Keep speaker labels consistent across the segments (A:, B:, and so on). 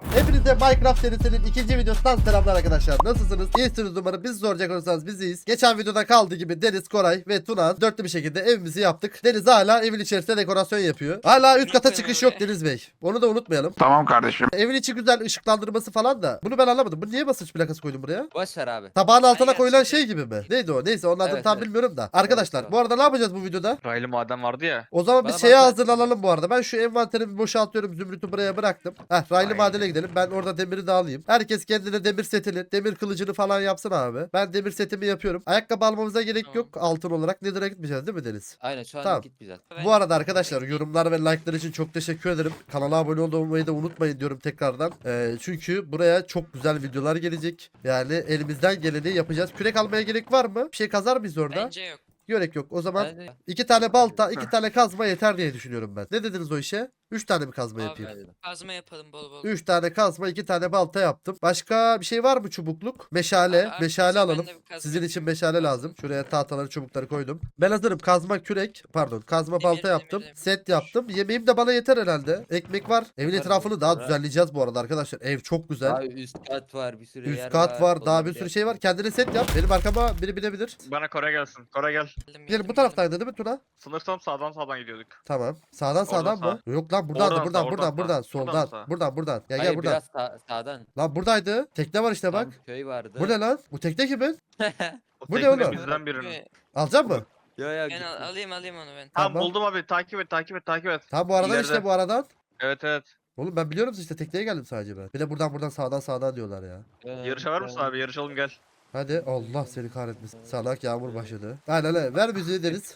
A: Hepinize Minecraft serisinin ikinci videosundan selamlar arkadaşlar. Nasılsınız? İyisiniz umarım. Bizi soracak olursanız biz iyiyiz. Geçen videoda kaldığı gibi Deniz, Koray ve Tuna dörtlü bir şekilde evimizi yaptık. Deniz hala evin içerisinde dekorasyon yapıyor. Hala üst kata çıkış yok Deniz Bey. Onu da unutmayalım.
B: Tamam kardeşim.
A: Evin içi güzel ışıklandırması falan da. Bunu ben anlamadım. Bu niye basınç plakası koydun buraya?
C: Boş ver abi.
A: Tabağın altına
D: Aynen,
A: koyulan
D: işte.
A: şey gibi mi? Neydi o? Neyse onun adını
C: Evet,
A: tam
C: evet.
A: bilmiyorum da. Arkadaşlar
C: Evet,
A: bu arada ne yapacağız bu videoda?
B: Raylı maden vardı ya.
A: O zaman biz
C: Bana
A: şeye
C: bak-
A: hazırlanalım bu arada. Ben şu envanterimi boşaltıyorum. Zümrüt'ü buraya bıraktım. Raylı
B: Aynen.
A: madene gidelim. Ben orada demiri de alayım. Herkes kendine demir setini, demir kılıcını falan yapsın abi. Ben demir setimi yapıyorum. Ayakkabı almamıza gerek
D: Tamam.
A: yok altın olarak. Nether'a gitmeyeceğiz değil mi Deniz?
C: Aynen şu an
A: Tamam.
C: git güzel.
A: Bu arada arkadaşlar yorumlar ve like'lar için çok teşekkür ederim. Kanala abone olmayı da unutmayın diyorum tekrardan. Çünkü buraya çok güzel videolar gelecek. Yani elimizden geleni yapacağız. Kürek almaya gerek var mı? Bir şey kazar mıyız orada?
D: Bence yok.
A: Gerek yok. O zaman
C: Bence-
A: 2 tane balta, 2 tane kazma yeter diye düşünüyorum ben. Ne dediniz o işe? 3 tane mi kazma
D: Abi,
A: yapayım?
C: Bence de.
D: Kazma yapalım bol bol.
A: 3 tane kazma, 2 tane balta yaptım. Başka bir şey var mı çubukluk? Meşale.
D: Abi,
A: Meşale
D: arkadaşlar, ben
A: alalım.
D: de bir kazma
A: Sizin için
D: yapayım.
A: meşale lazım. Şuraya tahtaları, çubukları koydum. Ben hazırım. Kazma, kürek. Pardon. Kazma, balta yaptım.
D: demir.
A: Set yaptım. Yemeğim de bana yeter herhalde. Ekmek var. Evin
C: Yeter,
A: etrafını daha
C: yeter.
A: düzenleyeceğiz bu arada arkadaşlar. Ev çok güzel.
C: Daha üst kat var, bir sürü yer
A: Üst kat var. Daha bir
C: Olabilir.
A: sürü şey var. Kendine set yap. Benim arkama biri binebilir.
B: Bana Koray gelsin. Koray gel.
A: Gelin bu taraftaydı değil mi Tuna?
B: Sınırsam sağdan gidiyorduk.
A: Tamam. Sağdan
B: Oradan
A: mı? Yok lan buradan
B: Oradan
A: buradan
B: sağ,
A: buradan
B: oradan
A: buradan
B: sağ.
A: soldan.
B: Buradan sağ.
A: Buradan. Gel
C: Hayır,
A: gel buradan.
C: biraz sağdan.
A: Lan buradaydı. Tekne var işte bak.
C: Tam köy vardı.
A: Bu ne lan? Bu tekne kimin?
B: O
A: Bu ne
B: tekne
A: oğlum?
B: bizden birinin.
A: Alacak mı?
C: Yo yo.
D: Ben alayım onu ben.
B: Tamam
A: Tamam.
B: buldum abi, takip et.
A: Tamam bu aradan
B: İleride.
A: işte bu aradan.
B: Evet.
A: Oğlum ben biliyorum işte tekneye geldim sadece ben. Bir de buradan sağdan diyorlar ya.
B: Yarışa var mısın abi? Yarışalım gel.
A: Hadi Allah seni kahretmesin. Salak yağmur başladı. Aynen öyle. Ver müziği Deniz.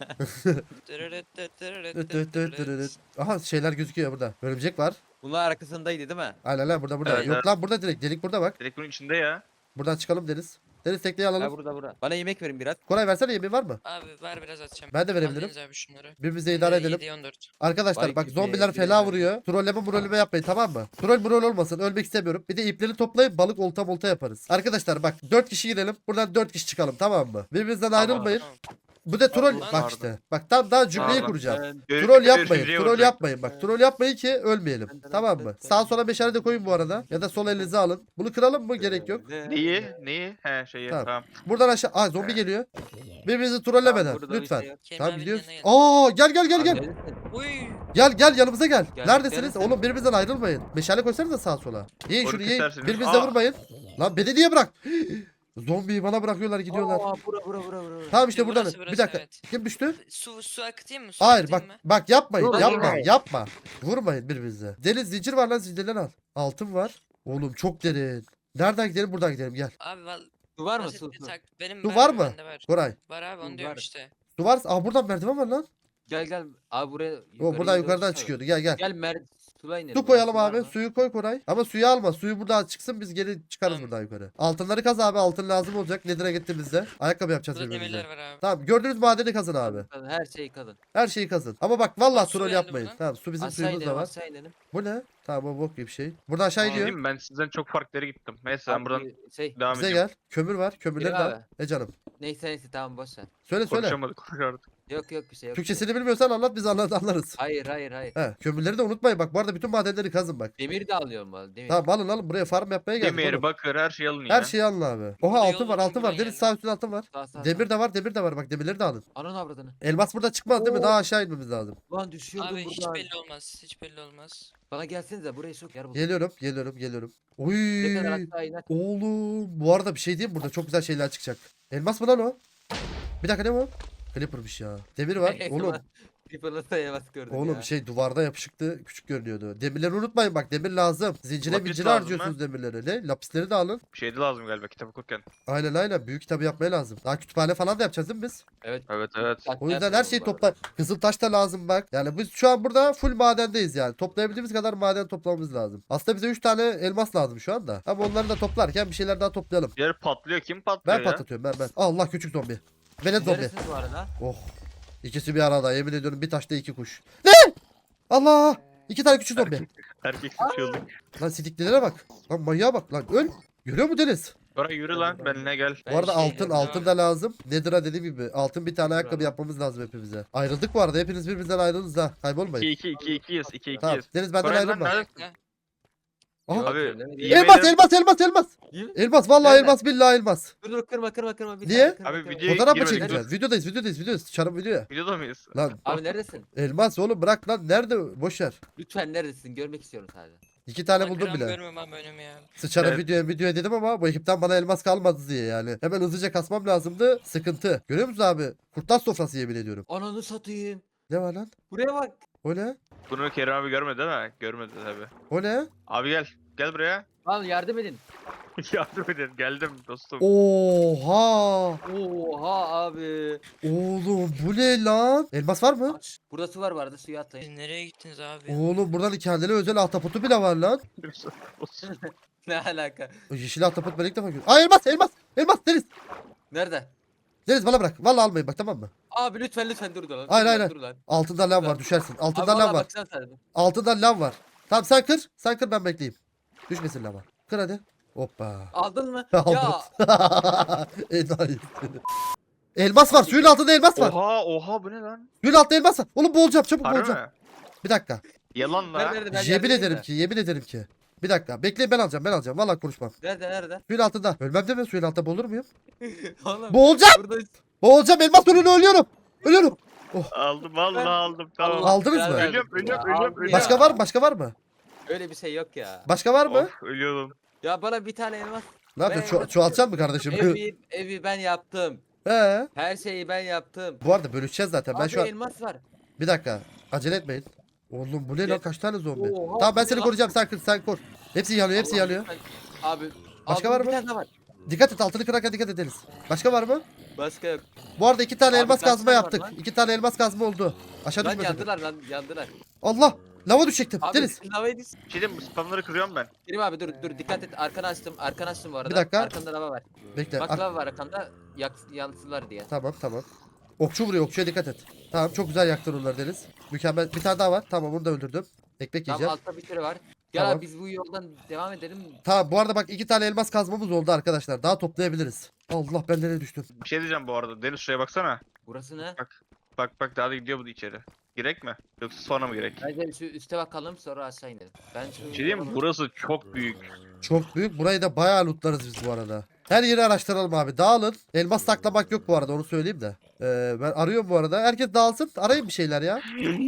A: Aha şeyler gözüküyor burada. Örümcek var.
C: Bunlar arkasındaydı değil mi?
A: Aynen lan burada.
B: Evet,
A: Yok
B: evet.
A: lan burada direkt. Delik burada bak.
B: Direkt bunun içinde ya.
A: Buradan çıkalım Deniz. Deniz tekneyi
C: Ha
A: alalım.
C: burada. Bana yemek verin biraz.
A: Koray versene yemeği var mı?
D: Abi ver biraz atacağım.
A: Ben de verebilirim.
D: Aldınız abi şunları.
A: Birbirimize idare edelim.
D: 7'ye 14.
A: Arkadaşlar
C: Vay
A: bak
C: gibi,
A: zombiler
C: gibi
A: fena
C: yani.
A: vuruyor. Trolleme yapmayın tamam mı? Troll olmasın. Ölmek istemiyorum. Bir de ipleri toplayıp balık olta yaparız. Arkadaşlar bak 4 kişi girelim. Buradan 4 kişi çıkalım tamam mı? Birbirimizden
B: Tamam.
A: ayrılmayın.
D: Tamam.
A: Bu da troll
D: Pardon.
A: bak işte. Bak tam daha cümleyi
B: Pardon.
A: kuracağım.
C: Ben-
A: Troll yapmayın.
B: Görüşürüz,
A: Troll
B: vuracak.
A: yapmayın. Bak troll yapmayın ki ölmeyelim. Tamam mı? Sağa sola meşale de koyun bu arada. Ya da sol elinize alın. Bunu kıralım mı? Gerek yok.
B: Neyi? He şeyi.
A: Tamam.
B: Tamam.
A: Buradan aşağı. Aa zombi geliyor. Birbirinizi trollemeden.
C: Burada bir
A: Lütfen.
C: şey yok.
D: Kerim
A: Tamam
D: abinin
A: gidiyoruz.
D: yanına
A: Aa gel.
C: Abi,
A: Gel
C: neredesin?
D: Uy.
A: gel yanımıza gel.
C: Gel,
A: Neredesiniz?
C: gel.
A: Oğlum birbirimizden ayrılmayın. Meşale koysanıza sağa sola. Yiyin
B: Onu
A: şunu yiyin.
B: kesersiniz.
A: Birbirinize
B: Aa.
A: vurmayın. Lan beni niye bırak? Zombiyi bana bırakıyorlar gidiyorlar.
C: Aa, bura.
A: Tamam işte
D: Burası,
A: buradan.
D: burası,
A: Bir dakika.
D: evet.
A: Kim düştü?
D: Su akıtayım mı? Su
A: Hayır bak
D: akıtayım mı?
A: bak yapmayın.
C: Dur,
A: Yapma. Vurmayın birbirinize. Deniz zincir var lan zincirleri al. Altın var. Oğlum çok derin. Nereden gidelim buradan gidelim gel.
D: Abi
C: Su var mı
D: basit
C: su?
D: bir benim
A: Su var mı?
D: bende var.
A: Koray.
D: Var abi onu
C: Su
D: diyorum
C: var.
D: işte.
A: Su var. Aa buradan merdiven var lan.
C: Gel. Abi buraya
A: O buradan yukarıdan
C: çıkıyor.
A: çıkıyordu. Gel.
C: Gel sula inelim.
A: Su koyalım
C: var
A: abi.
C: mı?
A: Suyu koy Koray. Ama suyu alma. Suyu buradan çıksın biz geri çıkarız
D: Tamam.
A: buradan yukarı. Altınları kaz abi. Altın lazım olacak. Nedir'e gittiğimizde. Ayakkabı yapacağız
D: Burada
A: birbirimize.
D: demirler var abi.
A: Tamam gördüğünüz madeni kazın abi.
C: Her şeyi kadın.
A: Her şeyi kazın. Ama bak vallahi
D: Bak, su
A: troll
D: geldi
A: yapmayın.
D: buradan.
A: Tamam su bizim
C: Aşağı
A: suyumuz da
C: inelim
A: var.
C: aşağı inelim.
A: Bu ne? Tamam o bok gibi bir şey. Buradan aşağı iniyor.
B: Diyeyim, ben sizden çok farklı yere gittim. Neyse ben
C: Abi,
B: buradan
C: şey
B: devam
A: Bize
B: edeceğim.
A: gel. Kömür var. Kömürleri de
C: Gel
A: al.
C: abi.
A: Canım.
C: neyse tamam boş ver.
A: Söyle.
B: Konuşamadık.
C: Yok bir şey yok.
A: Türkçesini bilmiyorsan anlat biz anlarız.
C: Hayır.
A: He, kömürleri de unutmayın bak. Bu arada bütün madenleri kazın bak.
C: Demir de alıyorum ben. Demir.
A: Tamam alın buraya farm yapmaya geldik
B: Demir,
A: oğlum.
B: bakır, her şeyi alın ya.
A: Her şeyi alın abi. Oha
D: Burada
A: altın
D: yol
A: var
D: var,
A: altın var.
D: buradan
A: Deniz
D: geldim.
A: sağ üstünde altın var.
C: Sağ.
A: Demir de var bak demirleri de alın.
C: Ananı avradını.
A: Elmas burada çıkmaz değil mi?
C: Oo.
A: Daha aşağı inmemiz lazım.
C: Lan düşüyordum
D: Abi hiç
C: buradan.
D: belli olmaz. Hiç belli olmaz.
C: Bana gelsenize buraya çok yer buldum.
A: Geliyorum. Oy.
C: Ne kadar aşağı iner.
A: Oğlum bu arada bir şey diyeyim mi? Burada çok güzel şeyler çıkacak. Elmas mı lan o? Bir dakika ne bu? Clipper'mış ya. Demir var. Oğlum.
C: Creeper'la yavaş gördüm
A: Oğlum
C: ya.
A: şey duvarda yapışıktı. Küçük görünüyordu. Demirleri unutmayın bak. Demir lazım. Zincire
B: Lapis
A: mincire
B: lazım
A: harcıyorsunuz demirleri. Ne? Lapisleri de alın.
B: Bir şey de lazım galiba kitap okurken.
A: Aynen. Büyük kitabı yapmaya lazım. Daha kütüphane falan da yapacağız değil mi biz?
C: Evet.
B: Evet.
A: O yüzden her şeyi topla. Kızıl taş da lazım bak. Yani biz şu an burada full madendeyiz yani. Toplayabildiğimiz kadar maden toplamamız lazım. Aslında bize 3 tane elmas lazım şu anda. Ama onları da toplarken bir şeyler daha toplayalım.
B: Yer patlıyor. Kim patlıyor
A: Ben
B: ya?
A: patlatıyorum ben. Allah küçük zombi. Velet zombi.
C: Neresiniz bu arada?
A: Oh. İkisi bir arada. Yemin ediyorum bir taşta 2 kuş. Ne? Allah! 2 tane küçük zombi.
B: Erkek sıçıyorduk.
A: Lan sidiklilere bak. Lan manyağa bak lan. Öl. Görüyor mu Deniz?
B: Koray yürü lan benimle gel.
A: Bu arada
C: şey
A: altın da lazım. Nether'a dediğim gibi altın bir tane ayakkabı yapmamız lazım hepimize. Ayrıldık bu arada. Hepiniz birbirinizden ayrıldınız ha. Kaybolmayın.
B: 2-2-2-2'yiz. 2-2'yiz.
A: Tamam. Deniz benden
B: Koray lan
A: ayrılma.
B: nerede?
D: Bekle.
A: Aha.
C: Yok,
B: Abi,
C: öyle mi?
B: yemin
A: Elmas
B: ederim-
A: elmas.
C: Değil mi?
A: Elmas vallahi
C: Nerede?
A: elmas billahi elmas.
C: Dur kırma. Bir
A: Niye?
C: saniye, kırma,
B: Abi,
C: kırma.
B: videoya
A: Fotoğraf mı
B: girmedik,
A: çekeceğiz? Videodayız. Sıçarım videoya.
B: Videoda mıyız?
A: Lan
C: Abi neredesin?
A: elmas oğlum bırak lan. Nerede? Boş ver.
C: Lütfen neredesin? Görmek istiyorum sadece.
A: 2 tane
D: Lan
A: buldum
D: gram
A: bile.
D: görmüyorum ama önümü ya.
A: Sıçarım
B: Evet.
A: videoya dedim ama bu ekipten bana elmas kalmadı diye yani. Hemen hızlıca kasmam lazımdı. Sıkıntı. Görüyor musun abi? Kurtlar sofrası yemin ediyorum.
C: Ananı satayım.
A: Ne var lan?
C: Buraya bak.
A: O ne?
B: Bunu Kerim abi görmedi değil mi? Görmedi tabi.
A: O ne?
B: Abi gel. Gel buraya.
C: Al yardım edin.
B: Yardım edin. Geldim dostum.
A: Oha!
C: Oha abi.
A: Oğlum bu ne lan? Elmas var mı?
C: Burada su var vardı suya atlayın.
D: Siz nereye gittiniz abi?
A: Oğlum buradan kendine özel ahtapotu bile var lan.
C: Ne alaka?
A: O yeşil ahtapot ben ilk defa görüyorum. Aa elmas Deniz.
C: Nerede?
A: Deniz bana bırak. Vallahi almayın bak tamam mı?
C: Abi lütfen dur lan.
A: Hayır.
C: Dur lan.
A: Altında lav var düşersin.
C: Abi
A: Altında lav
C: valla
A: var.
C: baksana sen.
A: Altında lav var. Tamam sen kır. Sen kır ben bekleyeyim. Düşmesin lava. Kır hadi. Hoppa.
C: Aldın mı?
A: Aldım.
C: Ya.
A: Enayi seni. Elmas var. Suyun altında elmas var.
B: Oha bu ne lan?
A: Suyun altında elmas var. Oğlum boğulacağım. Çabuk
B: Harbi
A: boğulacağım.
B: mi?
A: Bir dakika.
B: Yalan la.
C: Nerede? Ben
A: Yemin
C: yardım edeyim
A: ederim
C: mi?
A: ki. Bir dakika. Bekleyin ben alacağım. Vallahi konuşmam.
C: Nerede?
A: Suyun altında. Ölmem deme suyun altında boğulur muyum?
C: Oğlum.
A: Boğulacağım.
C: Burada
A: Boğulacağım. Elmas önüne ölüyorum. Ölüyorum.
B: Aldım vallahi aldım. Tamam.
C: Allah
A: Aldınız
C: belanı
A: mı?
C: versin
B: Ölüyorum,
C: ya.
B: ölüyorum.
C: Abi
A: Başka
C: ya.
A: var mı? Başka var mı?
C: Öyle bir şey yok ya.
A: Başka var mı?
B: Of ölüyorum.
C: Ya bana bir tane elmas.
A: Ne yapıyorsun?
C: Ben-
A: Çoğaltacaksın mı kardeşim?
C: Evi ben yaptım.
A: He.
C: Her şeyi ben yaptım.
A: Bu arada bölüşeceğiz zaten. Ben
C: Abi
A: şu an...
C: elmas var.
A: Bir dakika. Acele etmeyin. Oğlum bu ne lan? Kaç tane zombi?
C: Oha,
A: Tamam ben
C: bu
A: seni
C: ne lan?
A: koruyacağım. Sen kır, sen kor. Hepsi yanıyor,
C: Allah
A: yanıyor.
C: lütfen. Abi.
A: Başka
C: aldım,
A: var mı?
C: Bir tane daha var.
A: Dikkat et, altını kırarken dikkat ederiz. Başka var mı?
C: Başka yok.
A: Bu arada 2 tane
C: Abi
A: elmas
C: kaç
A: kazma
C: tane var
A: yaptık.
C: lan?
A: 2 tane elmas kazma oldu. Aşağı
C: Lan
A: düşme sakın.
C: yandılar.
A: Allah! Lava düşecektim.
C: Abi
A: Deniz.
C: lavayı düş.
B: Şeydim bu spamları kırıyorum ben.
C: Kerim abi dur dikkat et. Arkanı açtım bu arada.
A: Bir dakika.
C: Arkanda lava var.
A: Bekle.
C: Bak lava var arkanda. Yansılar diye.
A: Tamam. Okçu vuruyor. Okçuya dikkat et. Tamam çok güzel yaktın onları Deniz. Mükemmel. Bir tane daha var. Tamam onu da öldürdüm. Ekmek
C: Tamam
A: yiyeceğim.
C: altta bir sürü var. Gel
A: Tamam.
C: abi biz bu yoldan devam edelim.
A: Tamam bu arada bak 2 tane elmas kazmamız oldu arkadaşlar. Daha toplayabiliriz. Allah ben nereye düştüm.
B: Bir şey diyeceğim bu arada. Deniz şuraya baksana.
C: Burası ne?
B: Bak daha da gidiyor bu içeri. Girek mi? Yoksa sonra mı girek?
C: Bence şu üste bakalım sonra aşağı inelim. Ben şu
B: Bir şey diyeyim mi? Burası çok büyük.
A: Çok büyük. Burayı da bayağı lootlarız biz bu arada. Her yeri araştıralım abi. Dağılın. Elmas saklamak yok bu arada onu söyleyeyim de. Ben arıyorum bu arada. Herkes dağılsın. Arayın bir şeyler ya.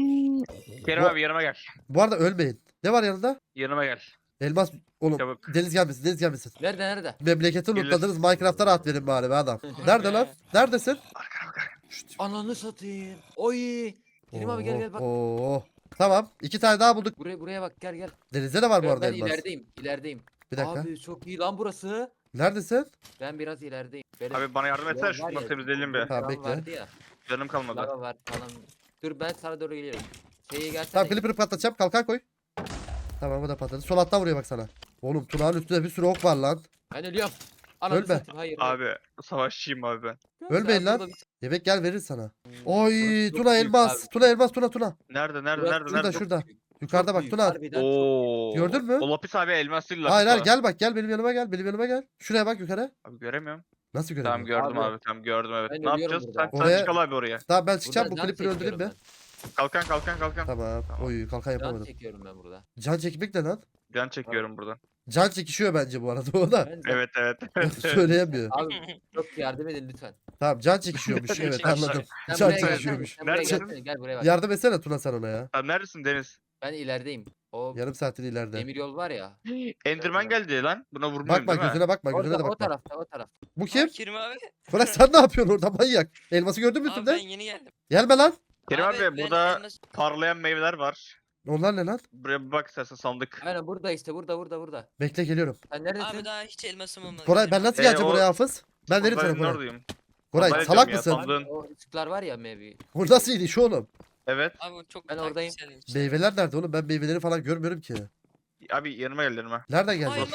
B: Kerim
A: Bu-
B: abi yanıma gel.
A: Bu arada ölmeyin. Ne var yanında?
B: Yanıma gel.
A: Elmas. Oğlum
B: Çabuk.
A: Deniz gelmesin.
C: Nerede?
A: Memleketi
B: Gelir.
A: lootladınız. Minecraft'a rahat verin bari be adam. Nerede lan? Neredesin? Şşt.
C: Ananı satayım. Oy. Kerim abi gel bak.
A: Oo. Tamam. 2 tane daha bulduk.
C: Buraya bak gel.
A: Denizde de var bu
C: Ben,
A: arada
C: ben
A: elmas.
C: ilerideyim.
A: Bir dakika.
C: Abi çok iyi lan burası.
A: Neredesin?
C: Ben biraz ilerideyim. Benim
B: Abi bana yardım etsene
C: var
B: şunları
C: ya,
B: temizleyelim bir.
A: Tamam,
C: lava
A: bekle.
C: vardı ya.
B: Canım kalmadı.
C: Lava var falan. Dur ben sana doğru geliyorum. Şeye gelsene.
A: Tamam Clipper'ı patlatacağım. Kalkan koy. Tamam o da patladı. Sol alttan vuruyor bak sana. Oğlum Tuna'nın üstünde bir sürü ok var lan.
C: Ben ölüyorum. Ananı
A: Ölme.
C: satayım, hayır.
B: Abi savaşçıyım abi ben.
A: Ölmeyin
C: Sen
A: lan.
C: burada bir-
A: Yemek gel verir sana. Oy
C: Burası çok
A: Tuna
C: büyük
A: elmas.
C: abi.
A: Tuna elmas Tuna.
B: Nerede
C: Burası
A: Şurada
B: nerede?
A: şurada.
C: Çok
A: Yukarıda
C: çok
A: bak
C: büyük,
A: Tuna.
C: harbiden çok-
B: Oo.
A: Gördün mü?
B: O lapis abi elmas değil
A: Hayır
B: lapis
A: hayır
B: o.
A: gel benim yanıma gel. Şuraya bak yukarı.
B: Abi göremiyorum.
A: Nasıl
B: Tamam
A: göremiyorum?
B: gördüm
C: Abi.
B: abi. Tamam gördüm evet.
C: Ben
B: Ne
C: ölüyorum
B: yapacağız?
C: burada.
B: Sen
A: Oraya-
B: çıkal abi oraya.
A: Tamam ben çıkacağım bu
C: Buradan can
A: Clipper'ı öldüreyim
C: çekiyorum
A: mi?
B: Kalkan.
A: Tamam.
B: Tamam.
A: Oy kalkan
C: ben. Can
A: yapamadım.
C: çekiyorum ben burada.
A: Can çekmek ne lan?
B: Can çekiyorum buradan.
A: Can çekişiyor bence bu arada o da.
C: Ben
B: Evet evet.
A: Söyleyemiyor.
C: Abi çok yardım edin lütfen.
A: Tamam can çekişiyormuş evet
B: Çekişiyor.
A: anladım.
C: Sen
A: Can
C: buraya gelsene,
A: çekişiyormuş.
C: sen buraya
B: Nerede?
C: gelsene, gel buraya bak.
A: Yardım etsene Tuna sen ona ya.
B: Abi neredesin Deniz?
C: Ben ilerideyim. O
A: Yarım saattir ileride.
C: demir yol var ya.
B: Enderman geldi lan. Buna vurmuyorum
A: Bakma
B: değil mi?
A: gözüne bakma gözüne
C: Orada,
A: de
C: o
A: bakma.
C: tarafta o tarafta.
A: Bu kim?
D: Kerim abi.
A: Bırak sen ne yapıyorsun orada manyak? Elması gördün mü
D: Abi ben
A: üstünde?
D: yeni geldim.
A: Gelme lan.
B: Kerim abi,
D: ben
B: burada
D: elmas-
B: parlayan meyveler var.
A: Onlar ne lan?
B: Buraya bir bak istersen sandık.
C: Aynen burada işte burada.
A: Bekle geliyorum.
C: Sen neredesin?
D: Abi daha hiç elmasım olmadı.
A: Koray
D: benim.
A: ben nasıl
B: Ee,
A: geleceğim
B: o-
A: oraya Hafız? Ben veririm sana
B: Ben
A: Koray.
B: oradayım.
A: Koray
B: Ben
A: salak
B: ya,
A: mısın?
B: tam-
C: Abi,
B: Sandığın-
C: o ışıklar var ya mevi.
A: Bu nasıl iş oğlum?
B: Evet.
D: Abi o çok
C: Ben oradayım.
D: taktiksel işte.
A: Meyveler nerede oğlum? Ben meyveleri falan görmüyorum ki.
B: Abi yanıma gel yanıma.
A: Nereden
D: Aa,
A: geldi?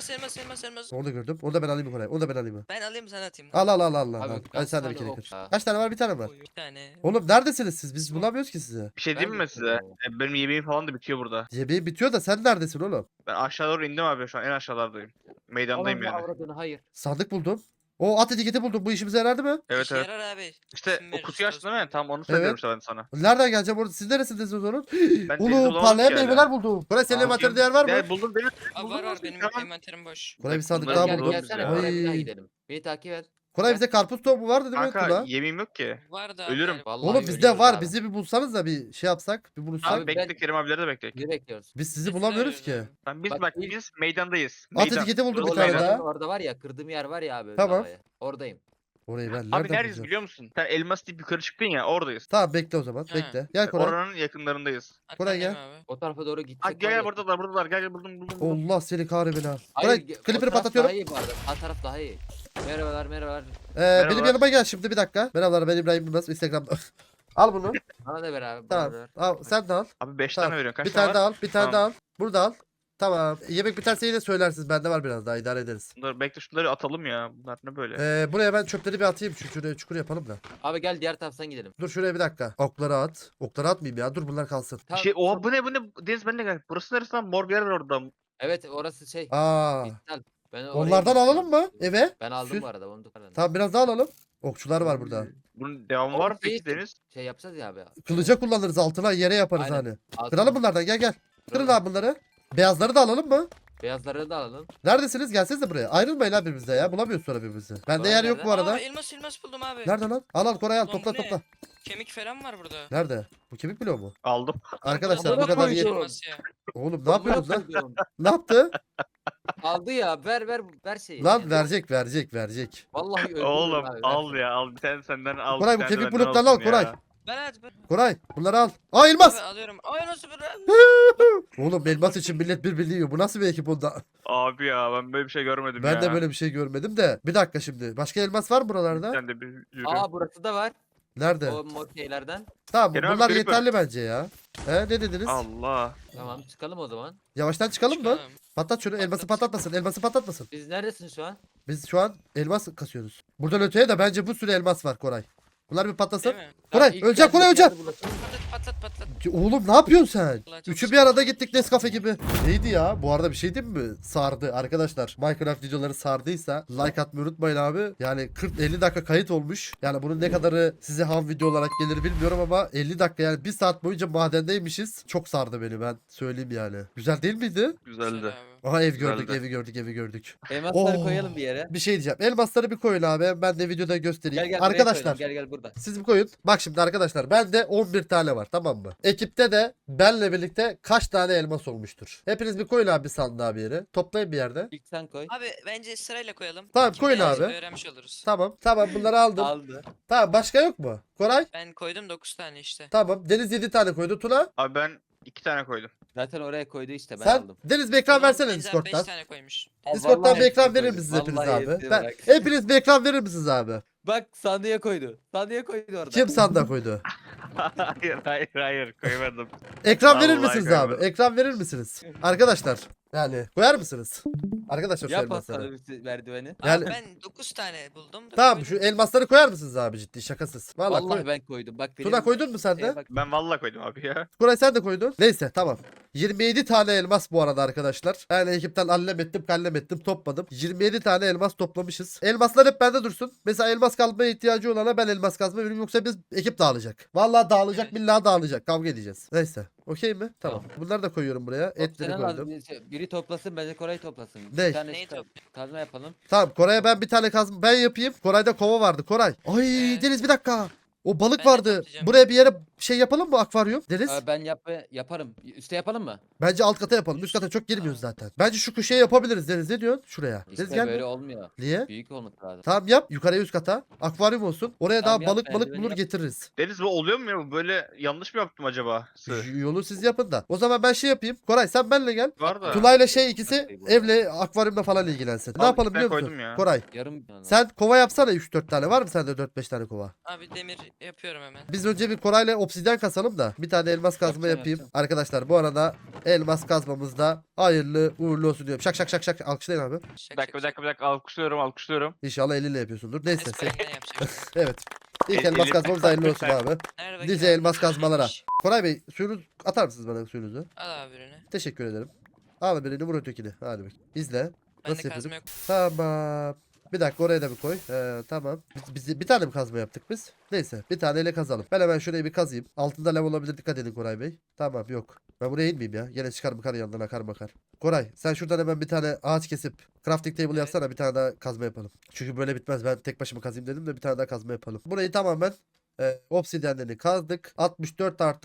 D: elmas.
A: Onu da gördüm. Onu da ben alayım Koray. Onu da ben alayım.
D: Ben alayım sana atayım.
A: Al.
C: Abi,
A: Hadi
C: kaç
A: sen de bir
C: tane
A: kere
C: ok
A: kır.
C: ya?
A: Kaç tane var? Bir tane var.
D: Bir tane.
A: Oğlum neredesiniz siz? Biz bulamıyoruz ki sizi.
B: Bir şey diyeyim mi size? Benim yemeğim falan da bitiyor burada.
A: Yemeği bitiyor da sen neredesin oğlum?
B: Ben aşağı doğru indim abi şu an en aşağılardayım. Meydandayım
C: Ananı
B: yani.
C: avradını hayır.
A: Sandık buldum. O at etiketi buldum. Bu işimize yaradı mı?
B: Evet
D: İşe
B: evet.
D: yarar abi.
B: İşte
D: İsim
B: o
D: veririz
B: kutuyu açtın değil mi?
D: dostum.
B: Tamam onu söylüyorum
A: Evet.
B: işte ben sana.
A: Nereden geleceğim orada? Siz neresindesiniz onun?
B: Ben denizi
A: Oğlum
B: bulamadım
A: parlayan
B: ki hala.
A: meyveler buldum. Koray senin
C: Aa,
A: envanterde değer var mı?
B: Ya buldum Deniz.
D: Abi
B: Buldum
D: var var
B: nasıl?
D: benim
B: Tamam.
D: envanterim boş.
A: Koray bir
B: Bak,
A: sandık
B: bunları
A: daha
C: Gel
A: buldum.
C: gelsene
B: ya.
C: oraya bir daha
A: Ay.
C: gidelim. Beni takip et.
A: Koray bize karpuz tohumu var dedi mi
B: Kanka
A: Tuna?
B: yemeğim yok ki.
D: Var da abi
B: Ölürüm.
D: yani.
C: Vallahi
A: Oğlum bizde
C: ölüyoruz
A: var.
C: abi.
A: Bizi bir bulsanız da bir şey yapsak. Bir bulursak.
B: Abi
C: Abi
B: bekle
C: ben-
B: Kerim abileri de bekle.
C: Ne bekliyoruz?
A: Biz sizi
D: Biz de
A: bulamıyoruz ki.
D: arıyoruz abi.
B: Biz
C: Bak,
B: bak
C: ilk-
B: biz meydandayız.
A: At
B: Meydan.
A: etiketi buldum bir
B: Burası
A: tane
B: meydan.
A: daha.
C: Orada var ya kırdığım yer var ya abi.
A: Tamam.
C: lavaya. Oradayım.
A: Orayı ben
B: Abi
A: nereden
B: neredeyiz
A: bulacağım?
B: biliyor musun? Sen elmas deyip yukarı çıktın ya oradayız.
A: Tamam bekle o zaman.
D: Ha.
A: Bekle. Gel Koray.
B: Oranın yakınlarındayız.
A: Koray
D: Arkandayım
A: gel.
D: abi.
C: O tarafa doğru gitsek.
B: Hadi gel
C: var ya.
B: gel buradalar buradalar gel buldum.
A: Allah seni kahretsin ha.
C: Hayır,
A: Koray
C: o
A: kliperi
C: taraf
A: patlatıyorum.
C: Daha iyi bu arada. Sağ taraf daha iyi. Merhabalar merhabalar.
A: Benim
B: Merhabalar.
A: yanıma gel şimdi bir dakika. Merhabalar ben İbrahim Yılmaz Instagram'da. Al bunu.
C: Bana da ver abi.
A: Tamam.
C: beraber.
A: Al, sen de al.
B: Abi 5
A: Tamam.
B: tane veriyorsun. Kaç
A: Bir
B: tane
A: tane daha
B: var?
A: al. Bir tane
B: Tamam.
A: daha al. Burada al. Tamam. Yemek biterse yine söylersiniz. Bende var biraz daha idare ederiz.
B: Bunları bekle şunları atalım ya. Bunlar ne böyle?
A: Buraya ben çöpleri bir atayım. Şuraya çukur yapalım da.
C: Abi gel diğer taraftan gidelim.
A: Dur şuraya bir dakika. Okları at. Okları atmayayım ya. Dur bunlar kalsın.
B: Bir
C: Tamam,
B: şey oha
C: tamam.
B: bu ne? Deniz ben de gel. Burası neresi lan? Mor bir yer var orada.
C: Evet orası şey.
A: Aa.
C: İptal. Ben oraya
A: Onlardan
C: gittim.
A: alalım mı eve?
C: Ben aldım
A: Sür.
C: bu arada onu da.
A: Tamam biraz daha alalım. Okçular var burada.
B: Bunun devamı
C: Oğlum,
B: var mı peki
C: şey-
B: Deniz?
C: Şey yapacağız ya abi.
A: Kılıca kullanırız altına yere yaparız
C: Aynen.
A: hani.
C: Altın-
A: Kıralım bunlardan gel gel. Kırın
C: Kıralım.
A: abi bunları. Beyazları da alalım mı?
C: Beyazları da alalım.
A: Neredesiniz? Gelsenize buraya. Ayrılmayın abi birbirinizle ya. Bulamıyoruz sonra birbirimizi. Bende
C: Var
A: yer yok
C: nerede?
A: bu arada.
D: Aa, elmas buldum abi.
A: Nerede lan? Al al Koray al.
D: Lan
A: Topla
D: bu ne?
A: topla.
D: Kemik falan var burada.
A: Nerede? Bu kemik bloğu mu?
B: Aldım.
A: Arkadaşlar bu
C: Amına
A: kadar
C: koyduğum.
A: yer.
D: Elmas ya.
A: Oğlum ne yapıyorsunuz lan?
C: Koyduğum.
A: Ne yaptı?
C: Aldı ya ver şeyi.
A: Lan verecek.
C: Vallahi öldürürüm
B: Oğlum
C: abi,
B: al
C: ver.
B: ya al. Bir tane senden al.
A: Koray,
B: bir
A: bu
B: tane de
A: kemik
B: benden
A: bloklarını al,
B: alsın
A: Koray.
B: ya.
D: Ben
A: Koray bunları al. Aa elmas.
D: abi alıyorum. Ay nasıl bir
A: Oğlum elmas için millet birbirini yiyor. Bu nasıl bir ekip onda?
B: Abi ya ben böyle bir şey görmedim ya.
A: Ben de böyle bir şey görmedim de. Bir dakika şimdi. Başka elmas var mı buralarda?
B: Sen de bir yürü.
C: Aa burası da var.
A: Nerede?
C: O mor şeylerden.
A: Tamam
B: Kerem abi,
A: bunlar
B: Creeper.
A: yeterli bence ya. Ne dediniz?
B: Allah.
C: Tamam çıkalım o zaman.
A: Yavaştan çıkalım mı?
D: Çıkalım.
A: Patlat şunu. Elması
D: Patlat.
A: patlatmasın. Elması patlatmasın.
C: Biz neredesin şu an?
A: Biz şu an elmas kasıyoruz. Buradan öteye de bence bu sürü elmas var Koray. Bunlar bir patlasın.
D: Değil mi?
A: Koray,
C: Tamam, ilk
A: ölecek, Koray,
C: geldiğimiz
A: ölecek.
C: yerde bulaşalım.
D: Patlat.
A: Ki Oğlum ne yapıyorsun sen?
D: Vallahi çok
A: Üçü bir
D: sıkıntı.
A: arada gittik Nescafe gibi. Neydi ya? Bu arada bir şey diyeyim mi? Sardı arkadaşlar. Minecraft videoları sardıysa like atmayı unutmayın abi. Yani 40-50 dakika kayıt olmuş. Yani bunun ne kadarı size ham video olarak gelir bilmiyorum ama 50 dakika yani 1 saat boyunca madendeymişiz. Çok sardı beni ben söyleyeyim yani. Güzel değil miydi?
B: Güzeldi.
D: Güzel abi.
A: Aha ev
B: Güzeldi.
A: gördük, evi gördük.
C: Elmasları
A: Oo.
C: koyalım bir yere.
A: Bir şey diyeceğim. Elmasları bir koyun abi. Ben de videoda göstereyim.
C: Gel buraya
A: Arkadaşlar
C: koyalım, gel burada.
A: siz bir koyun. Bak şimdi arkadaşlar bende 11 tane var tamam mı? Ekipte de benle birlikte kaç tane elmas olmuştur? Hepiniz bir koyun abi bir sandığa bir yere. Toplayın bir yerde.
C: İlk sen koy.
D: Abi bence sırayla koyalım.
A: Tamam,
D: Kim
A: koyun
D: beğenirse
A: abi.
D: Öğrenmiş oluruz.
A: Tamam bunları aldım.
C: Aldı.
A: Tamam başka yok mu? Koray?
D: Ben koydum 9 tane işte.
A: Tamam. Deniz 7 tane koydu. Tuna?
B: Abi ben 2 tane koydum.
C: Zaten oraya koydu işte ben
A: Sen?
C: aldım.
A: Deniz bir ekran
D: Tamam,
A: versene
D: Deniz abi
A: Discord'dan.
D: 5 tane koymuş.
A: Discord'dan
C: Vallahi
A: bir ekran
C: hepsini
A: verir
C: koydum.
A: misiniz hepiniz
C: Vallahi
A: abi?
C: hepsini
A: Ben,
C: bırak.
A: hepiniz bir ekran verir misiniz abi?
C: Bak sandığa koydu. Sandığa koydu orada.
A: Kim sandığa koydu?
B: hayır koymadım.
A: Ekran verir
B: Vallahi
A: misiniz abi?
B: koymadım.
A: Ekran verir misiniz? Arkadaşlar yani koyar mısınız? Arkadaşlar şu
C: Yap
A: elmasları.
C: aslanı merdiveni.
A: Yani-
D: Abi ben 9 tane buldum. da
A: Tamam
D: koydum.
A: şu elmasları koyar mısınız abi ciddi şakasız? Vallahi,
C: Vallahi
A: koy.
C: ben koydum. Bak benim
A: Tuna koydun mu sen
C: şeye
A: de?
C: bak.
B: Ben vallahi koydum abi ya.
A: Koray sen de koydun. Neyse tamam. 27 tane elmas bu arada arkadaşlar. Yani ekipten allem ettim kallem ettim topladım. 27 tane elmas toplamışız. Elmaslar hep bende dursun. Mesela elmas kazmaya ihtiyacı olana ben elmas kazma veririm yoksa biz ekip dağılacak. Vallahi dağılacak
D: Evet.
A: billahi dağılacak. Kavga edeceğiz. Neyse. Okey mi? Tamam.
C: Tamam.
A: Bunları da koyuyorum buraya. Etleri
C: Senin
A: koydum.
C: biri toplasın bence Koray toplasın.
A: Ne?
C: Bir tane
D: Neyi
C: çıkar-
D: toplayayım?
C: kazma yapalım.
A: Tamam Koray'a ben bir tane kazma ben yapayım. Koray'da kova vardı. Koray. Ay
D: Evet.
A: Deniz bir dakika. O balık
D: Ben de
A: vardı.
D: toplayacağım.
A: Buraya bir yere şey yapalım mı akvaryum? Deniz.
C: Ben yaparım. Üste yapalım mı?
A: Bence alt kata yapalım. Üst kata çok girmiyoruz zaten. Bence şu köşeye yapabiliriz Deniz. Ne diyorsun? Şuraya.
C: İşte
A: Deniz gel
C: böyle
A: mi?
C: olmuyor.
A: Niye?
C: Büyük olması lazım.
A: Tamam yap. Yukarıya üst kata. Akvaryum olsun. Oraya
C: Tamam,
A: daha
C: yap,
A: balık
C: merdiveni
A: bulur
C: yap.
A: getiririz.
B: Deniz bu oluyor mu ya? Böyle yanlış mı yaptım acaba?
A: Yolu siz yapın da. O zaman ben şey yapayım. Koray sen benle gel.
B: Var da.
A: Tuna'yla şey ikisi
C: Okey, bu.
A: evle akvaryumla falan ilgilensin. Ne
B: Al,
A: yapalım
B: ben
A: biliyor musun?
B: koydum ya.
A: Koray
C: Yarım.
A: sen kova yapsana 3-4 tane. Var mı sende 4-5 tane kova?
D: Abi demir yapıyorum hemen.
A: Biz önce bir Koray'la obsidyen kasalım da bir tane elmas kazma
C: Yapacağım,
A: yapayım.
C: yapacağım.
A: Arkadaşlar bu arada elmas kazmamızda hayırlı uğurlu olsun diyorum. Şak şak şak şak alkışlayın abi.
B: Bir dakika alkışlıyorum.
A: İnşallah eliyle yapıyorsundur. Neyse.
D: Ses kayından yapacak.
A: Evet. İlk
B: El-
A: elmas
B: eli-
A: kazmamız hayırlı olsun abi.
D: Nerede bakayım
A: Nice
D: abi?
A: elmas kazmalara.
D: Şş,
A: Koray Bey suyunuz atar mısınız bana suyunuzu?
D: Al abi ürünü.
A: Teşekkür ederim. Al birini vur ötekini. Hadi bak. İzle.
D: Bende
A: Nasıl
D: kazma
A: yapıyorduk?
D: yok.
A: Tamam. Bir dakika oraya da bir koy. Tamam. Biz bir tane mi kazma yaptık biz? Neyse bir taneyle kazalım. Ben hemen şurayı bir kazayım. Altında lav olabilir, dikkat edin Koray Bey. Tamam yok. Ben buraya inmeyeyim ya. Gene çıkar bakar yanından akar bakar. Koray sen şuradan hemen bir tane ağaç kesip crafting table
D: Evet.
A: yapsana, bir tane daha kazma yapalım. Çünkü böyle bitmez. Ben tek başıma kazayım dedim de bir tane daha kazma yapalım. Burayı tamamen obsidyenlerini kazdık. 64 artı